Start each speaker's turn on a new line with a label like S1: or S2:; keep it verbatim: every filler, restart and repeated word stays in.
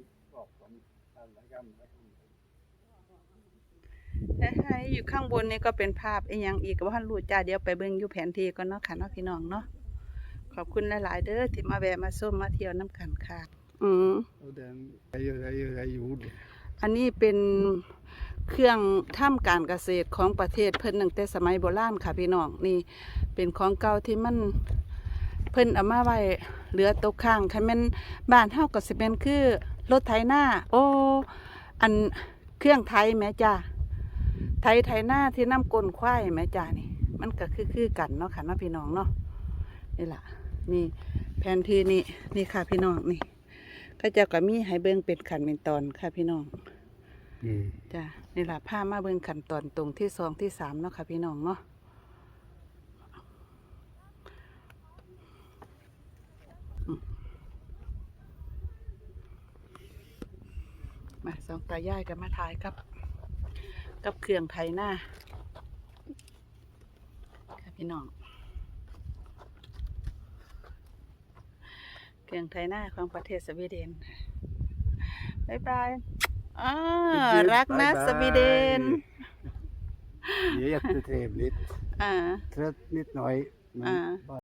S1: ให้อยู่ข้างบนนี่ก็เป็นภาพอีกอย่างอีกก็ว่ารู้จ้าเดี๋ยวไปเบิ่งอยู่แผนที่ก่อนเนาะค่ะเนาะพี่น้องเนาะขอบคุณหลายๆเด้อที่มาแวะมาส้มมาเที่ยวน้ำกันค่ะอืมอันนี้เป็นเครื่องทำการเกษตรของประเทศเพิ่นตั้งแต่สมัยโบราณค่ะพี่น้องนี่เป็นของเก่าที่มันเพิ่นเอามาไว้เหลือตกค้างคันแม่นบ้านเฮาก็สิเป็นคือรถไถนาโอ้อันเครื่องไถแม่จ้าไถไถนาที่น้ำก้นควายแม่จ้านี่มันก็คือคือกันเนาะค่ะเนาะพี่น้องเนาะนี่ล่ะนี่แผนที่นี่นี่ค่ะพี่น้องนี่ก็จะก็มีให้เบิ่งเป็นขั้นเป็นตอนค่ะพี่น้องจ้านี่ล่ะพามาเบิ่งขั้นตอนตรงที่สองที่สามเนาะค่ะพี่น้องเนาะมาสองตายายกันมาถ่ายกับกับเครื่องไถนาค่ะพี่น้องเครื่องไถนาของประเทศสวีเดนบ๊ายบายอ่ารักนะสวีเดน
S2: Det är jättetrevligt.
S1: Ah.
S2: Trött lite nöjd.
S1: Ah.